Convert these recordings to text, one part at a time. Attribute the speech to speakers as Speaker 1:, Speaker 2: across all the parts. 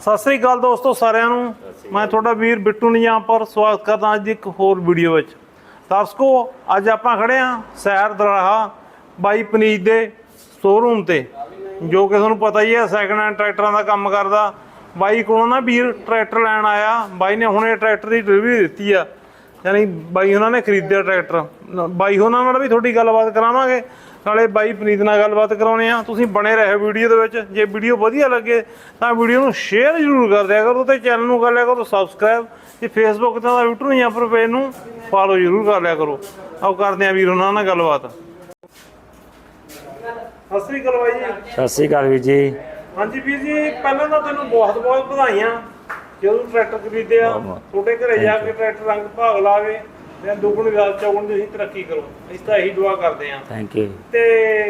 Speaker 1: ਸਤਿ ਸ੍ਰੀ ਅਕਾਲ ਦੋਸਤੋ ਸਾਰਿਆਂ ਨੂੰ। ਮੈਂ ਤੁਹਾਡਾ ਵੀਰ ਬਿੱਟੂ ਨਿਜਾਮਪੁਰ ਸਵਾਗਤ ਕਰਦਾ ਅੱਜ ਇੱਕ ਹੋਰ ਵੀਡੀਓ ਵਿੱਚ। ਦਰਸ਼ਕੋ ਅੱਜ ਆਪਾਂ ਖੜੇ ਆ ਸੈਰ ਦਰਾਹਾ ਬਾਈ ਪਨੀਤ ਦੇ ਸ਼ੋਰੂਮ ਤੇ, ਜੋ ਕਿ ਤੁਹਾਨੂੰ ਪਤਾ ਹੀ ਹੈ ਸੈਕਿੰਡ ਹੈਂਡ ਟਰੈਕਟਰਾਂ ਦਾ ਕੰਮ ਕਰਦਾ। ਬਾਈ ਕੋਲੋਂ ਨਾ ਵੀਰ ਟਰੈਕਟਰ ਲੈਣ ਆਇਆ। ਬਾਈ ਨੇ ਹੁਣੇ ਟਰੈਕਟਰ ਦੀ ਡਿਲੀਵਰੀ ਦਿੱਤੀ ਆ, ਯਾਨੀ ਬਾਈ ਉਹਨਾਂ ਨੇ ਖਰੀਦਿਆ ਟਰੈਕਟਰ। ਬਾਈ ਉਹਨਾਂ ਨਾਲ ਵੀ ਤੁਹਾਡੀ ਗੱਲਬਾਤ ਕਰਾਵਾਂਗੇ, ਨਾਲੇ ਬਾਈ ਪਨੀਤ ਨਾਲ ਗੱਲਬਾਤ ਕਰਾਉਣੇ ਆ। ਤੁਸੀਂ ਬਣੇ ਰਹੇ ਵੀਡੀਓ ਦੇ ਵਿੱਚ। ਜੇ ਵੀਡੀਓ ਵਧੀਆ ਲੱਗੇ ਤਾਂ ਵੀਡੀਓ ਨੂੰ ਸ਼ੇਅਰ ਜ਼ਰੂਰ ਕਰ ਦਿਆ ਕਰੋ ਤੇ ਚੈਨਲ ਨੂੰ ਕਰ ਲਿਆ ਕਰੋ ਸਬਸਕ੍ਰਾਈਬ। ਤੇ ਫੇਸਬੁੱਕ ਤੇ ਦਾ ਬਿੱਟੂ ਨਿਜਾਮਪੁਰ ਪੇਜ ਨੂੰ ਫਾਲੋ ਜ਼ਰੂਰ ਕਰ ਲਿਆ ਕਰੋ। ਆਓ ਕਰਦੇ ਆ ਵੀਰ ਉਹਨਾਂ ਨਾਲ ਗੱਲਬਾਤ। ਸਤਿ ਸ੍ਰੀ ਅਕਾਲ ਬਾਈ ਜੀ।
Speaker 2: ਸਤਿ ਸ੍ਰੀ ਅਕਾਲ ਵੀਰ ਜੀ।
Speaker 1: ਹਾਂਜੀ ਵੀਰ ਜੀ, ਪਹਿਲਾਂ ਤਾਂ ਤੈਨੂੰ ਬਹੁਤ ਬਹੁਤ ਵਧਾਈਆਂ ਜਦੋਂ ਟਰੈਕਟਰ ਖਰੀਦਿਆ। ਤੁਹਾਡੇ ਘਰੇ ਜਾ ਕੇ ਟਰੈਕਟਰ ਰੰਗ ਭਾਗ ਲਾਵੇ ਤੇ ਦੁੱਗਣੀ ਰਾਤ ਚੌਗੁਣੀ ਤੁਸੀਂ ਤਰੱਕੀ ਕਰੋ, ਅਸੀਂ ਤਾਂ ਇਹੀ ਦੁਆ ਕਰਦੇ ਹਾਂ।
Speaker 2: Thank you.
Speaker 1: ਤੇ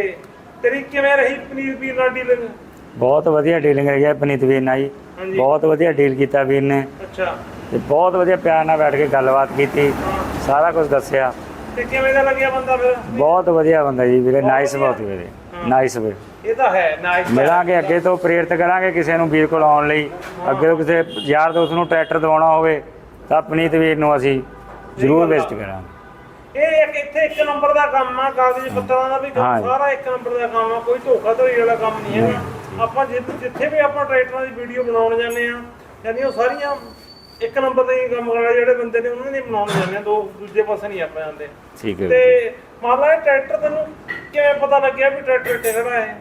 Speaker 1: ਤੇਰੀ ਕਿਵੇਂ ਰਹੀ ਪਨੀਤ ਵੀਰ ਨਾਲ ਡੀਲਿੰਗ?
Speaker 2: ਬਹੁਤ ਵਧੀਆ ਡੀਲਿੰਗ ਰਹੀ ਹੈ ਪਨੀਤ ਵੀਰ ਨਾਲ ਜੀ। ਬਹੁਤ ਵਧੀਆ ਡੀਲ ਕੀਤਾ ਵੀਰ ਨੇ।
Speaker 1: ਅੱਛਾ।
Speaker 2: ਤੇ ਬਹੁਤ ਵਧੀਆ ਪਿਆਰ ਨਾਲ ਬੈਠ ਕੇ ਗੱਲਬਾਤ ਕੀਤੀ, ਸਾਰਾ ਕੁਝ ਦੱਸਿਆ।
Speaker 1: ਤੇ ਕਿਵੇਂ ਦਾ ਲੱਗਿਆ ਬੰਦਾ ਫਿਰ?
Speaker 2: ਬਹੁਤ ਵਧੀਆ ਬੰਦਾ ਜੀ ਵੀਰੇ, ਨਾਈਸ ਬਹੁਤ ਵੀਰੇ, ਨਾਈਸ ਵੀਰੇ।
Speaker 1: ਇਹ ਤਾਂ ਹੈ ਨਾਈਸ।
Speaker 2: ਮਿਲਾਂਗੇ ਅੱਗੇ ਤੋਂ, ਪ੍ਰੇਰਿਤ ਕਰਾਂਗੇ ਕਿਸੇ ਨੂੰ ਵੀਰ ਕੋਲ ਆਉਣ ਲਈ। ਅੱਗੇ ਤੋਂ ਕਿਸੇ ਯਾਰ ਦੋਸਤ ਨੂੰ ਟਰੈਕਟਰ ਦਿਵਾਉਣਾ ਹੋਵੇ ਤਾਂ ਪਨੀਤ ਵੀਰ ਨੂੰ ਅਸੀਂ ਜ਼ਰੂਰ ਵਿਜ਼ਿਟ ਕਰਾਂਗੇ।
Speaker 1: ਇਹ ਇੱਥੇ ਇੱਕ ਨੰਬਰ ਦਾ ਕੰਮ ਆ, ਕਾਗਜ਼ ਪੱਤਰਾਂ ਦਾ ਵੀ ਕੰਮ ਸਾਰਾ ਇੱਕ ਨੰਬਰ ਦਾ ਕੰਮ ਆ, ਕੋਈ ਧੋਖਾਧੜੀ ਵਾਲਾ ਕੰਮ ਨਹੀਂ ਹੈਗਾ। ਆਪਾਂ ਜਿੱਥੇ ਵੀ ਆਪਾਂ ਟਰੈਕਟਰਾਂ ਦੀ ਵੀਡੀਓ ਬਣਾਉਣ ਜਾਂਦੇ ਆ, ਯਾਨੀ ਉਹ ਸਾਰੀਆਂ ਇੱਕ ਨੰਬਰ ਦੇ ਕੰਮ ਕਰਦੇ ਜਿਹੜੇ ਬੰਦੇ ਨੇ ਉਹਨਾਂ ਨੇ ਬਣਾਉਣ ਜਾਂਦੇ ਆ, ਦੂਜੇ ਪਾਸੇ ਨਹੀਂ ਆਪਾਂ ਜਾਂਦੇ।
Speaker 2: ਠੀਕ ਹੈ।
Speaker 1: ਤੇ ਮੰਨ ਲਾ ਇਹ ਟਰੈਕਟਰ ਤੈਨੂੰ ਕਿਵੇਂ ਪਤਾ ਲੱਗਿਆ ਵੀ ਟਰੈਕਟਰ ਇੱਥੇ ਖੜਾ ਹੈ?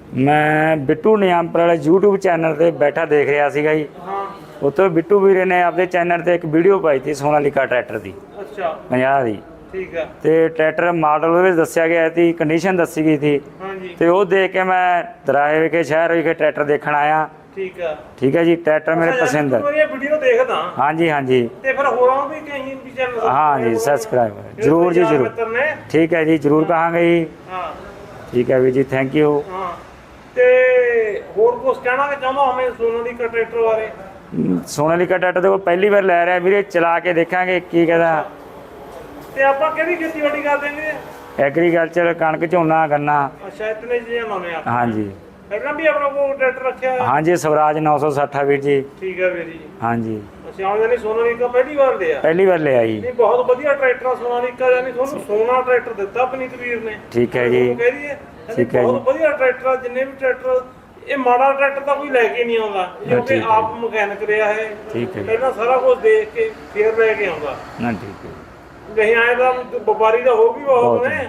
Speaker 2: ਮੈਂ ਬਿੱਟੂ ਨਿਜਾਮਪੁਰ ਵਾਲੇ YouTube ਚੈਨਲ ਤੇ ਬੈਠਾ ਦੇਖ ਰਿਹਾ ਸੀਗਾ ਜੀ।
Speaker 1: ਹਾਂ।
Speaker 2: ਉੱਥੇ ਬਿੱਟੂ ਵੀਰੇ ਨੇ ਆਪਣੇ ਚੈਨਲ ਤੇ ਇੱਕ ਵੀਡੀਓ ਪਾਈ ਸੀ ਸੋਨਾਲੀਕਾ ਟਰੈਕਟਰ ਦੀ।
Speaker 1: ਅੱਛਾ।
Speaker 2: 50 ਦੀ।
Speaker 1: ਠੀਕ ਆ।
Speaker 2: ਤੇ ਟਰੈਕਟਰ ਮਾਡਲ ਉਹਦੇ ਵਿੱਚ ਦੱਸਿਆ ਗਿਆ ਸੀ, ਕੰਡੀਸ਼ਨ ਦੱਸੀ ਗਈ ਸੀ।
Speaker 1: ਹਾਂਜੀ।
Speaker 2: ਤੇ ਉਹ ਦੇਖ ਕੇ ਮੈਂ ਦਰਾਹੇ ਵਿਖੇ ਸ਼ਹਿਰ ਵਿਖੇ ਟਰੈਕਟਰ ਦੇਖਣ ਆਇਆ।
Speaker 1: ਠੀਕ ਆ।
Speaker 2: ਠੀਕ ਹੈ ਜੀ, ਟਰੈਕਟਰ ਮੇਰੇ ਪਸੰਦ ਹੈ।
Speaker 1: ਤੂੰ ਇਹ ਵੀਡੀਓ ਦੇਖਦਾ?
Speaker 2: ਹਾਂਜੀ ਹਾਂਜੀ।
Speaker 1: ਤੇ ਫਿਰ ਹੋਰਾਂ ਨੂੰ ਵੀ ਕਹੀਂ ਵੀ ਚੈਨਲ?
Speaker 2: ਹਾਂ ਜੀ, ਸਬਸਕ੍ਰਾਈਬ ਜ਼ਰੂਰ ਜੀ ਜ਼ਰੂਰ। ਠੀਕ ਹੈ ਜੀ, ਜ਼ਰੂਰ ਕਹਾਂਗੇ ਜੀ।
Speaker 1: ਹਾਂ।
Speaker 2: ਠੀਕ ਹੈ ਵੀਰ ਜੀ, ਥੈਂਕ ਯੂ।
Speaker 1: ਹਾਂ। ਤੇ ਹੋਰ ਕੁਝ ਕਹਿਣਾ ਕਿ ਚਾਹੁੰਦਾ ਹਮੇ ਸੋਨਾਲੀਕਾ ਟਰੈਕਟਰ ਬਾਰੇ?
Speaker 2: ਸੋਨਾਲੀਕਾ ਟਰੈਕਟਰ ਦੇਖੋ ਪਹਿਲੀ ਵਾਰ ਲੈ ਰਿਹਾ ਵੀਰੇ, ਚਲਾ ਕੇ ਦੇਖਾਂਗੇ ਕੀ ਕਹਿੰਦਾ।
Speaker 1: ਤੇ ਆਪਾਂ ਕਿਹੜੀ ਖੇਤੀਬਾੜੀ ਕਰਦੇ ਨੇ?
Speaker 2: ਐਗਰੀਕਲਚਰ, ਕਣਕ, ਝੋਨਾ, ਗੰਨਾ।
Speaker 1: ਅੱਛਾ, ਇਤਨੇ ਚੀਜ਼ਾਂ ਲਾਉਂਦੇ ਆ।
Speaker 2: ਹਾਂਜੀ।
Speaker 1: ਪਹਿਲਾਂ ਵੀ ਆਪਣਾ ਕੋਲ ਟਰੈਕਟਰ ਰੱਖਿਆ ਹੈ?
Speaker 2: ਹਾਂਜੀ, ਸਵਰਾਜ 960 ਵੀਰ ਜੀ।
Speaker 1: ਠੀਕ ਹੈ ਵੀਰ ਜੀ।
Speaker 2: ਹਾਂਜੀ।
Speaker 1: ਅੱਛਾ, ਹੁਣ ਯਾਨੀ ਸੋਨਾਲੀਕਾ ਪਹਿਲੀ ਵਾਰ ਲਿਆ?
Speaker 2: ਪਹਿਲੀ ਵਾਰ ਲਿਆ ਜੀ।
Speaker 1: ਨਹੀਂ, ਬਹੁਤ ਵਧੀਆ ਟਰੈਕਟਰ ਆ ਸੋਨਾਲੀਕਾ, ਯਾਨੀ ਤੁਹਾਨੂੰ ਸੋਨਾ ਟਰੈਕਟਰ ਦਿੱਤਾ ਪਨੀਤ ਵੀਰ ਨੇ।
Speaker 2: ਠੀਕ ਹੈ ਜੀ।
Speaker 1: ਕਹਿ ਦਈਏ
Speaker 2: ਠੀਕ ਹੈ ਜੀ।
Speaker 1: ਬਹੁਤ ਵਧੀਆ ਟਰੈਕਟਰ ਆ। ਜਿੰਨੇ ਵੀ ਟਰੈਕਟਰ, ਇਹ ਮਾੜਾ ਟਰੈਕਟਰ ਤਾਂ ਕੋਈ ਲੈ ਕੇ ਨਹੀਂ ਆਉਂਦਾ, ਕਿਉਂਕਿ ਆਪ ਮਕੈਨਿਕ ਰਿਹਾ ਹੈ।
Speaker 2: ਠੀਕ ਹੈ।
Speaker 1: ਪਹਿਲਾਂ ਸਾਰਾ ਕੁਝ ਦੇਖ ਕੇ ਫੇਰ ਲੈ ਕੇ ਆਉਂਦਾ।
Speaker 2: ਨਾ ਠੀਕ ਹੈ।
Speaker 1: ਨਹੀਂ ਆਏ ਤਾਂ ਵਪਾਰੀ ਦਾ ਹੋ ਵੀ ਬਹੁਤ ਨੇ,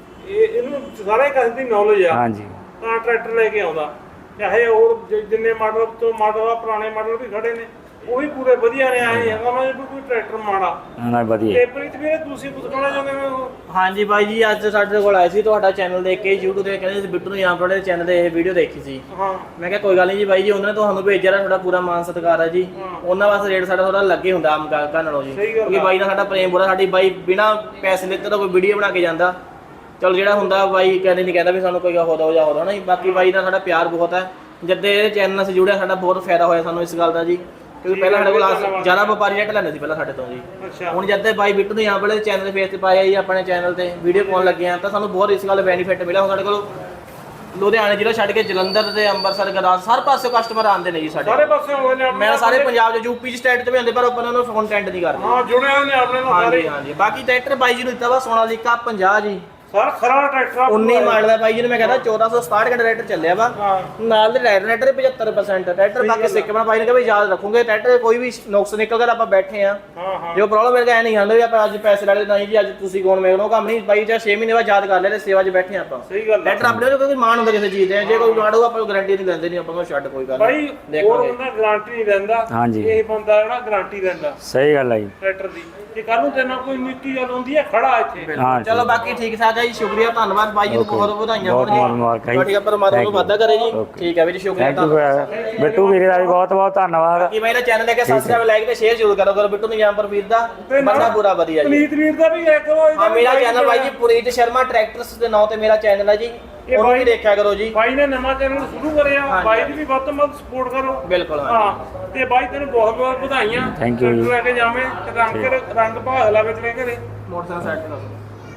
Speaker 1: ਇਹਨੂੰ ਸਾਰੇ ਕਿਸੇ ਦੀ ਨੌਲੇਜ ਆ।
Speaker 2: ਹਾਂਜੀ।
Speaker 1: ਤਾਂ ਟਰੈਕਟਰ ਲੈ ਕੇ ਆਉਂਦਾ। ਚਾਹੇ ਹੋਰ ਜਿੰਨੇ ਮਾਡਲ ਤੋਂ ਮਾਡਲ ਆ, ਪੁਰਾਣੇ ਮਾਡਲ ਵੀ ਖੜੇ ਨੇ, ਉਹ ਵੀ ਪੂਰੇ ਵਧੀਆ ਨੇ। ਆਏ ਹੈਗਾ ਉਹਨਾਂ ਦੇ ਕੋਈ ਟਰੈਕਟਰ ਮਾੜਾ
Speaker 2: ਨਾ ਵਧੀਆ।
Speaker 1: ਤੇ ਪ੍ਰੀਤ ਵੀਰੇ ਤੁਸੀਂ ਕੁਝ ਕਹਿਣਾ ਚਾਹੁੰਦੇ ਹੋ?
Speaker 3: ਹਾਂਜੀ ਬਾਈ ਜੀ, ਅੱਜ ਸਾਡੇ ਕੋਲ ਆਏ ਸੀ ਤੁਹਾਡਾ ਚੈਨਲ ਦੇਖ ਕੇ, YouTube ਤੇ ਕਹਿੰਦੇ ਸੀ ਬਿੱਟੂ ਨਿਜਾਮਪੁਰ ਦੇ ਚੈਨਲ ਤੇ ਇਹ ਵੀਡੀਓ ਦੇਖੀ ਸੀ।
Speaker 1: ਹਾਂ।
Speaker 3: ਮੈਂ ਕਿਹਾ ਕੋਈ ਗੱਲ ਨਹੀਂ ਜੀ ਬਾਈ ਜੀ, ਉਹਨਾਂ ਨੇ ਤੁਹਾਨੂੰ ਭੇਜਿਆ ਨਾ, ਤੁਹਾਡਾ ਪੂਰਾ ਮਾਨ ਸਤਿਕਾਰ ਹੈ ਜੀ। ਉਹਨਾਂ ਵਾਸਤੇ ਰੇਟ ਸਾਡਾ ਥੋੜਾ ਲੱਗੇ ਹੁੰਦਾ ਆਮ ਗਾਹਕਾਂ ਨਾਲੋਂ ਜੀ, ਕਿਉਂਕਿ ਬਾਈ ਨਾਲ ਸਾਡਾ ਪ੍ਰੇਮ ਬੜਾ। ਸਾਡੀ ਬਾਈ ਬਿਨਾ ਪੈਸੇ ਲਿੱਤੇ ਤਾਂ ਕੋਈ ਵੀਡੀਓ ਬਣਾ ਕੇ ਜਾਂਦਾ। ਚਲੋ ਜਿਹੜਾ ਹੁੰਦਾ ਬਾਈ ਕਹਿੰਦੇ ਨਹੀਂ ਕਹਿੰਦਾ ਵੀ ਸਾਨੂੰ ਕੋਈ ਹੋ ਦੋ ਜਾਂ ਹੋਰ ਨਾ ਜੀ। ਬਾਕੀ ਬਾਈ ਨਾਲ ਸਾਡਾ ਪਿਆਰ ਬਹੁਤ ਹੈ। ਜਦ ਇਹ ਚੈਨਲ ਨਾਲ ਜੁੜਿਆ ਸਾਡਾ ਬਹੁਤ ਫਾਇਦਾ ਹੋਇਆ ਸਾਨੂੰ ਇਸ ਗੱਲ ਦਾ ਜੀ, ਕਿਉਂਕਿ ਪਹਿਲਾਂ ਸਾਡੇ ਕੋਲ ਜ਼ਿਆਦਾ ਵਪਾਰੀ ਰੇਟ ਲੈਂਦੇ ਸੀ ਪਹਿਲਾਂ ਸਾਡੇ ਤੋਂ ਜੀ। ਹੁਣ ਜਦ ਤੇ ਬਾਈ ਬਿੱਟੂ ਨਿਜਾਮਪੁਰ ਵਾਲੇ ਚੈਨਲ ਫੇਸ ਤੇ ਪਾਇਆ ਜੀ, ਆਪਣੇ ਚੈਨਲ ਤੇ ਵੀਡੀਓ ਪਾਉਣ ਲੱਗੇ ਆ, ਤਾਂ ਸਾਨੂੰ ਬਹੁਤ ਇਸ ਗੱਲ ਬੈਨੀਫਿਟ ਮਿਲਿਆ। ਹੁਣ ਸਾਡੇ ਕੋਲ ਲੁਧਿਆਣੇ ਜ਼ਿਲ੍ਹਾ ਛੱਡ ਕੇ ਜਲੰਧਰ ਤੇ ਅੰਮ੍ਰਿਤਸਰ, ਗੁਰਦਾਸਪੁਰ, ਹਰ ਪਾਸੇ ਕਸਟਮਰ ਆਉਂਦੇ ਨੇ ਜੀ ਸਾਡੇ। ਸਾਰੇ ਪਾਸੇ ਆਉਂਦੇ ਨੇ। ਮੈਂ ਸਾਰੇ ਪੰਜਾਬ ਚ, ਯੂਪੀ ਚ, ਸਟੇਟ ਚ ਵੀ ਆਉਂਦੇ, ਪਰ ਆਪਾਂ ਉਹਨਾਂ ਨੂੰ ਫੋਨ ਅਟੈਂਡ ਨਹੀਂ ਕਰਦੇ।
Speaker 1: ਹਾਂ, ਜੁੜੇ ਹੋਏ ਨੇ ਆਪਣੇ ਨਾਲ ਸਾਰੇ।
Speaker 3: ਹਾਂਜੀ ਹਾਂਜੀ। ਬਾਕੀ ਟਰੈਕਟਰ ਬਾਈ ਜੀ ਨੂੰ ਦਿੱਤਾ ਵਾ ਸੋਨਾਲੀਕਾ 50 ਜੀ।
Speaker 1: ਸਰ ਖਰਾ ਟਰੈਕਟਰ
Speaker 3: 19 ਮਾਡਲ ਦਾ ਬਾਈ ਜੀ ਨੂੰ ਮੈਂ ਕਹਿੰਦਾ 1467 ਘੰਟੇ ਟਰੈਕਟਰ ਚੱਲਿਆ ਵਾ। ਨਾਲ ਦੇ ਟਰੈਕਟਰ 75% ਟਰੈਕਟਰ। ਬਾਕੀ ਸਿੱਕਮਾ ਬਾਈ ਨੇ ਕਿਹਾ ਵੀ ਯਾਦ ਰੱਖੂਗੇ ਟਰੈਕਟਰ ਕੋਈ ਵੀ ਨੁਕਸ ਨਿਕਲ ਗਿਆ ਆਪਾਂ ਬੈਠੇ ਆ। ਜੋ ਪ੍ਰੋਬਲਮ ਮੇਰੇ ਐ ਨਹੀਂ ਹੁੰਦਾ ਵੀ ਆਪਾਂ ਅੱਜ ਪੈਸੇ ਲੈ ਲਏ, ਨਹੀਂ ਜੀ ਅੱਜ ਤੁਸੀਂ ਕੌਣ ਮੇਰੇ ਕੋਲ ਕੰਮ ਨਹੀਂ ਬਾਈ। ਜਾਂ 6 ਮਹੀਨੇ ਬਾਅਦ ਯਾਦ ਕਰ ਲੈ, ਸੇਵਾ 'ਚ ਬੈਠੇ ਆਪਾਂ।
Speaker 1: ਸਹੀ ਗੱਲ।
Speaker 3: ਟਰੈਕਟਰ ਆਪਣੇ ਨੂੰ ਕੋਈ ਮਾਣ ਹੁੰਦਾ ਕਿਸੇ ਚੀਜ਼ ਦੇ, ਜੇ ਕੋਈ ਮਾਣ ਹੋਊ ਆਪਾਂ ਗਾਰੰਟੀ ਨਹੀਂ ਦਿੰਦੇ, ਨਹੀਂ ਆਪਾਂ ਨੂੰ ਛੱਡ ਕੋਈ ਗੱਲ
Speaker 1: ਬਾਈ। ਹੋਰ ਬੰਦਾ ਗਾਰੰਟੀ ਨਹੀਂ ਦਿੰਦਾ।
Speaker 2: ਹਾਂਜੀ।
Speaker 1: ਇਹ ਬੰਦਾ ਜਿਹੜਾ ਗਾਰੰਟੀ ਦਿੰਦਾ।
Speaker 2: ਸਹੀ ਗੱਲ ਹੈ ਜੀ।
Speaker 1: ਟਰੈਕਟਰ ਦੀ ਜੇ ਕੱਲ ਨੂੰ ਤੇਨਾਂ ਕੋਈ ਨਿੱਕੀ ਗੱਲ ਹੁੰਦੀ ਹੈ ਖੜਾ ਇੱਥੇ।
Speaker 2: ਹਾਂ।
Speaker 3: ਚਲੋ ਬਾਕੀ ਠੀਕ ਠਾਕ ਹੈ ਜੀ, ਸ਼ੁਕਰੀਆ, ਧੰਨਵਾਦ ਬਾਈ ਜੀ ਨੂੰ, ਬਹੁਤ ਵਧਾਈਆਂ ਹੋਣ ਜੀ। ਤੁਹਾਡੀ ਪਰਮਾਤਮਾ ਨੂੰ ਵਾਧਾ ਕਰੇ ਜੀ। ਠੀਕ ਹੈ ਵੀਰ, ਸ਼ੁਕਰੀਆ।
Speaker 2: ਬਿੱਟੂ ਵੀਰੇ ਦਾ ਵੀ ਬਹੁਤ ਬਹੁਤ ਧੰਨਵਾਦ।
Speaker 3: ਕੀ ਮੈਂ ਚੈਨਲ ਲੈ ਕੇ ਸਬਸਕ੍ਰਾਈਬ ਲਾਈਕ ਤੇ ਸ਼ੇਅਰ ਜ਼ਰੂਰ ਕਰੋ ਬਿੱਟੂ ਨਿਜਾਮਪੁਰ ਵੀਰ ਦਾ, ਬੰਦਾ ਪੂਰਾ ਵਧੀਆ ਜੀ।
Speaker 1: ਪਨੀਤ ਵੀਰ ਦਾ ਵੀ ਇੱਕ ਵਾਰ
Speaker 3: ਹਾਂ, ਮੇਰਾ ਚੈਨਲ ਬਾਈ ਜੀ ਪੁਨੀਤ ਸ਼ਰਮਾ ਟਰੈਕਟਰਸ ਦੇ ਨਾਂ ਤੇ ਮੇਰਾ ਚੈਨਲ ਹੈ ਜੀ, ਉਹਨੂੰ ਵੀ ਦੇਖਿਆ ਕਰੋ ਜੀ।
Speaker 1: ਬਾਈ ਨੇ ਨਵਾਂ ਚੈਨਲ ਸ਼ੁਰੂ ਕਰਿਆ, ਬਾਈ ਦੀ ਵੀ ਵੱਧ ਤੋਂ ਵੱਧ ਸਪੋਰਟ ਕਰੋ।
Speaker 3: ਬਿਲਕੁਲ।
Speaker 1: ਹਾਂ। ਤੇ ਬਾਈ ਤੈਨੂੰ ਬਹੁਤ ਬਹੁਤ ਵਧਾਈਆਂ।
Speaker 2: ਥੈਂਕ ਯੂ ਜੀ।
Speaker 1: ਲੈ ਕੇ ਜਾਵੇਂ ਤੇ ਰੰਗ ਭਾਗ ਲਾਵੇ ਤੇਰੇ ਘਰੇ।
Speaker 3: ਮੋਟਰਸਾਈਕਲ ਸੈੱਟ ਕਰ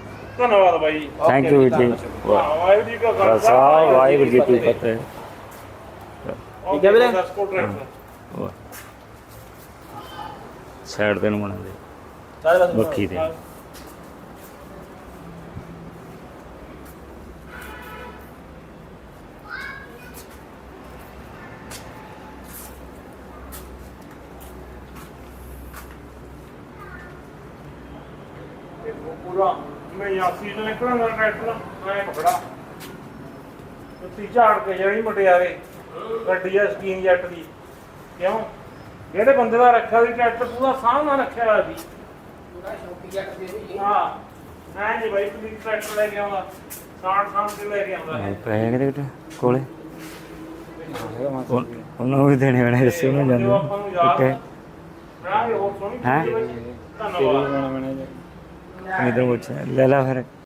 Speaker 1: ਧੰਨਵਾਦ ਬਾਈ।
Speaker 2: ਥੈਂਕ ਯੂ ਜੀ।
Speaker 1: ਵਾਹਿਗੁਰੂ ਜੀ ਕਾ ਖਾਲਸਾ,
Speaker 2: ਵਾਹਿਗੁਰੂ ਜੀ ਕੀ ਫਤਿਹ।
Speaker 3: ਠੀਕ ਹੈ ਵੀਰੇ।
Speaker 2: ਸਾਈਡ ਤੇ ਨੂੰ ਬਣਾਉਂਦੇ
Speaker 3: ਸਾਰੇ ਪਾਸੇ
Speaker 2: ਬੱਖੀ ਤੇ
Speaker 1: ਪੂਰਾ ਮੈਂ ਯਾਸੀ ਤੋਂ ਨਿਕਲਣਾ ਟਰੈਕਟਰ ਮੈਂ ਪਕੜਾ ਉੱਤੀ ਝਾੜ ਕੇ ਜਿਹੜੀ ਮਟਿਆਰੇ ਗੱਡੀ ਆ ਸਕੀਨ ਜੱਟ ਦੀ ਕਿਉਂ ਜਿਹੜੇ ਬੰਦੇ ਦਾ ਰੱਖਿਆ ਸੀ ਟਰੈਕਟਰ ਪੂਰਾ ਸਾਹਮਣਾ ਰੱਖਿਆ ਹੋਇਆ ਸੀ
Speaker 4: ਪੂਰਾ ਸ਼ੌਕੀ ਜੱਟ ਦੇ ਵੀ
Speaker 1: ਹਾਂ ਮੈਂ ਜੀ ਬਾਈ ਪੁਲਿਸ ਟਰੈਕਟਰ ਲੈ ਕੇ ਆਉਂਦਾ ਸਾਂਢ ਕੇ ਲੈ ਕੇ ਆਉਂਦਾ
Speaker 2: ਪੈਸੇ ਕਿਤੇ ਕੋਲੇ ਉਹਨਾਂ ਨੂੰ ਵੀ ਦੇਣੇ ਵਾਲੇ ਦੱਸੇ ਉਹਨਾਂ ਜਾਂਦੇ
Speaker 1: ਆਪਾਂ ਨੂੰ ਯਾਦ
Speaker 2: ਕਿੱਥੇ
Speaker 1: ਬਣਾਗੇ ਹੋਰ ਸੋਹਣੀ
Speaker 2: ਹੈਂ?
Speaker 1: ਚੀਜ਼ ਬਾਈ। ਧੰਨਵਾਦ
Speaker 2: ਇਧਰ ਪੁੱਛ ਲੈ ਲਾ ਫਿਰ